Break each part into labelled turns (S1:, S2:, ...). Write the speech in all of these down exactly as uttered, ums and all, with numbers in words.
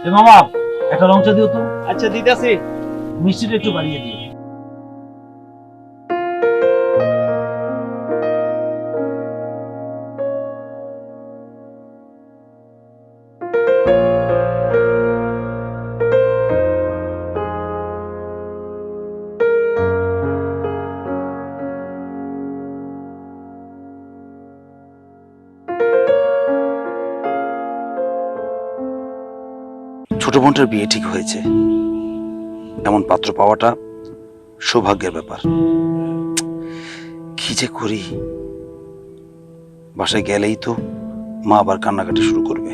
S1: মামা একটা রং চা দিও তো।
S2: আচ্ছা দিতেছি।
S1: মিষ্টিটা একটু বাড়িয়ে দিও।
S3: ছোট বোনটার বিয়ে ঠিক হয়েছে, এমন পাত্র পাওয়াটা সৌভাগ্যের ব্যাপার। কি যে করি, বাসায় গেলেই তো মা আবার কান্নাকাটি শুরু করবে।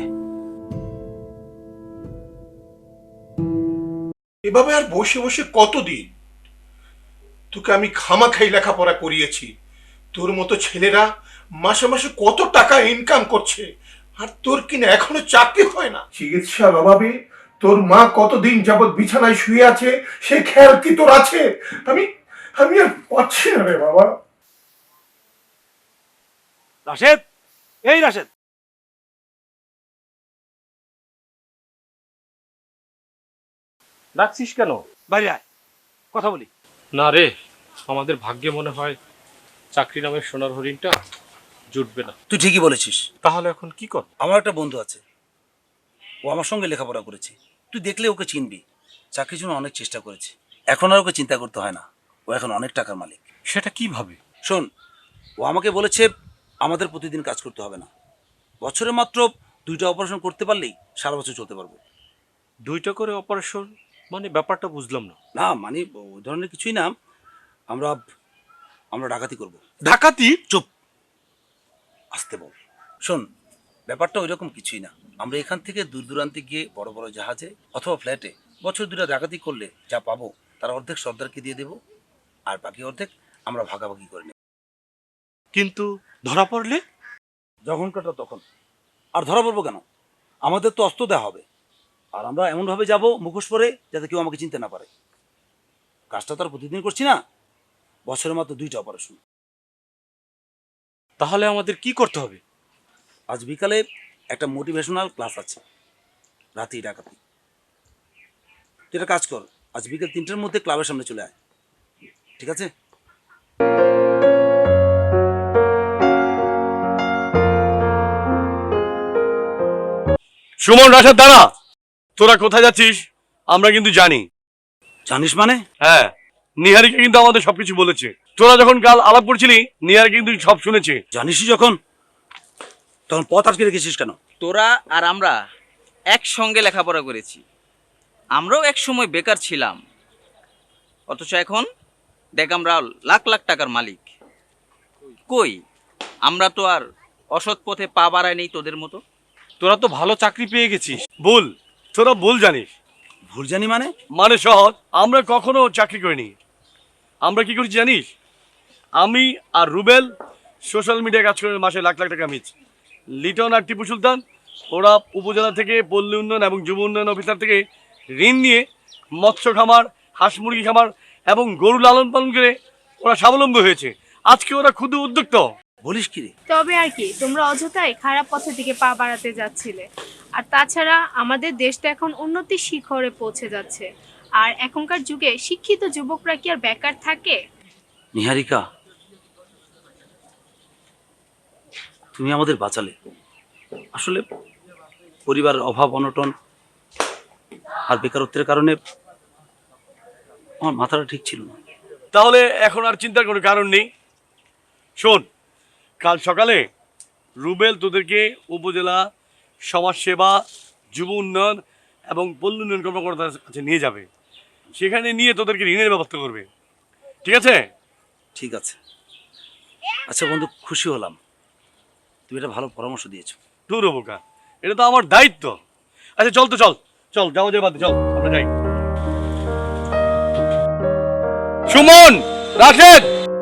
S4: এভাবে আর বসে বসে কতদিন? তোকে আমি খামাখাই লেখাপড়া করিয়েছি, তোর মতো ছেলেরা মাসে মাসে কত টাকা ইনকাম করছে, আর তোর কিনা এখনো চাকরি হয় না। চিকিৎসার অভাবে তোর মা কতদিন যাবৎ বিছানায় শুয়ে আছে, সে খেয়াল কি তোর আছে? আমি আমি আর পাচ্ছি না রে বাবা।
S2: রাশেদ, এই রাশেদ,
S5: ডাকছিস কেন?
S2: বাইরে আয়, কথা বলি।
S5: না রে, আমাদের ভাগ্যে মনে হয় চাকরি নামের সোনার হরিণটা জুটবে না।
S3: তুই ঠিকই বলেছিস।
S5: তাহলে এখন কি কর?
S3: আমার একটা বন্ধু আছে, ও আমার সঙ্গে লেখাপড়া করেছে, তুই দেখলে ওকে চিনবি। চাকরির জন্য অনেক চেষ্টা করেছে, এখন আর ওকে চিন্তা করতে হয় না, ও এখন অনেক টাকার মালিক।
S5: সেটা কিভাবে?
S3: শোন, ও আমাকে বলেছে আমাদের প্রতিদিন কাজ করতে হবে না, বছরে মাত্র দুইটা অপারেশন করতে পারলেই সারা বছর চলতে পারবো।
S5: দুইটা করে অপারেশন মানে ব্যাপারটা বুঝলাম না।
S3: না মানে ওই ধরনের কিছুই না, আমরা আমরা ডাকাতি করব।
S5: ডাকাতি?
S3: চুপ, আসতে বল। শোন, ব্যাপারটা ওই রকম কিছুই না। আমরা এখান থেকে দূর দূরান্তে গিয়ে বড় বড় জাহাজে অথবা ফ্ল্যাটে বছর দুটা ডাকাতি করলে যা পাবো তার অর্ধেক সর্দারকে দিয়ে দেবো, আর বাকি অর্ধেক আমরা ভাগাভাগি করে নেব।
S5: কিন্তু ধরা পড়লে?
S3: যখন কাটা তখন। আর ধরা পড়বো কেন? আমাদের তো অস্ত্র দেওয়া হবে, আর আমরা এমনভাবে যাব মুখোশ পরে যাতে কেউ আমাকে চিনতে না পারে। কাজটা তো আর প্রতিদিন করছি না, বছরে মাত্র দুইটা অপারেশন।
S5: তাহলে আমাদের কি করতে হবে?
S3: আজ বিকালে একটা মোটিভেশনাল ক্লাস আছে, রাতেই ডাকাতি। তুই একটা কাজ কর, আজ বিকেল তিনটার মধ্যে ক্লাবের সামনে চলে আয়, ঠিক আছে?
S2: সুমন, রাশেদ, দাঁড়া। তোরা কোথায় যাচ্ছিস আমরা কিন্তু জানি।
S3: জানিস মানে?
S2: হ্যাঁ, নিহারিকা কিন্তু আমাদের সবকিছু বলেছে। তোরা যখন কাল আলাপ করছিলি, নিহারিকা কিন্তু সব শুনেছে।
S3: জানিসই যখন, তখন পথ আটকে রেখেছিস কেন?
S6: তোরা আর আমরা একসঙ্গে লেখাপড়া করেছি, আমরাও এক সময় বেকার ছিলাম, অথচ এখন দেখ আমরা লাখ লাখ টাকার মালিক। কই, আমরা তো আর অসৎ পথে পা বাড়াই নেই তোদের মতো।
S5: তোরা তো ভালো চাকরি পেয়ে গেছিস।
S2: ভুল, তোরা ভুল জানিস।
S3: ভুল জানি মানে?
S2: মানে সহজ, আমরা কখনো চাকরি করিনি। আমরা কি করছি জানিস? আমি আর রুবেল সোশ্যাল মিডিয়ায় কাজ করে মাসে লাখ লাখ টাকা মিচ। লিটন আর টিপু সুলতান ওরা উপজেলা থেকে পল্লী উন্নয়ন এবং যুব উন্নয়ন অফিসার থেকে ঋণ নিয়ে মৎস্য খামার, হাঁস মুরগি খামার এবং গরু লালন পালন করে ওরা স্বাবলম্বী হয়েছে। আজকে ওরা ক্ষুদ্র উদ্যোক্তা।
S3: বলিস কি রে?
S7: তবে আর কি, তোমরা অযথাই খারাপ পথের দিকে পা বাড়াতে যাচ্ছিলে। আর তাছাড়া আমাদের দেশটা এখন উন্নতির শিখরে পৌঁছে যাচ্ছে, আর এখনকার যুগে শিক্ষিত যুবকরা কি আর বেকার থাকে?
S3: নিহারিকা, তুমি আমাদের বাঁচালে। আসলে পরিবারের অভাব অনটন আর বেকারত্বের কারণে আমার মাথাটা ঠিক ছিল না।
S2: তাহলে এখন আর চিন্তার কোনো কারণ নেই। শোন, কাল সকালে রুবেল তোদেরকে উপজেলা সমাজসেবা, যুব উন্নয়ন এবং পল্লী উন্নয়ন কর্মকর্তার কাছে নিয়ে যাবে। সেখানে নিয়ে তোদেরকে ঋণের ব্যবস্থা করবে, ঠিক আছে?
S3: ঠিক আছে। আচ্ছা বন্ধু, খুশি হলাম, তুমি একটা ভালো পরামর্শ দিয়েছো।
S2: তোর বোকা, এটা তো আমার দায়িত্ব। আচ্ছা চল তো, চল চল যাও, যাই বাদ, চল আমরা যাই। সুমন, রাশেদ,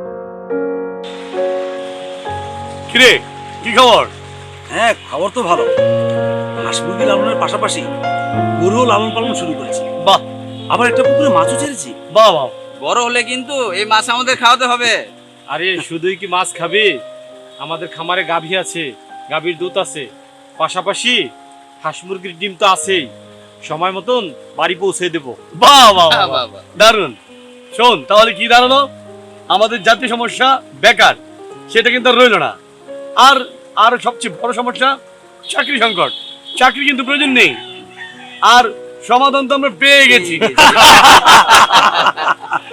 S2: কিরে কি খবর?
S3: হ্যাঁ, খবর তো ভালো। হাঁস মুরগি লালনের পাশাপাশি গরুও লালন পালন শুরু করেছি।
S2: বাহ,
S3: আবার একটা পুকুরে মাছও ছেড়েছি।
S2: বাহ বাহ।
S6: বড় হলে কিন্তু এই মাছ আমাদের খাওয়াতে হবে।
S5: আরে শুধুই কি মাছ খাবি? আমাদের খামারে গাভী আছে, গাভীর দুধ আছে, পাশাপাশি হাঁস মুরগির ডিম তো আছেই। সময় মতন বাড়ি পৌঁছে দেবো।
S2: বাহ বাহ
S6: বাহ,
S2: বাহ,
S6: বাহ,
S2: বাহ।
S6: বাহ।
S2: দারুণ। শোন তাহলে কি দাঁড়ালো, আমাদের জাতীয় সমস্যা বেকার, সেটা কিন্তু আর রইল না। আর আর সবচেয়ে বড় সমস্যা চাকরি সংকট, চাকরি কিন্তু প্রয়োজন নেই, আর সমাধান তো আমরা পেয়ে গেছি।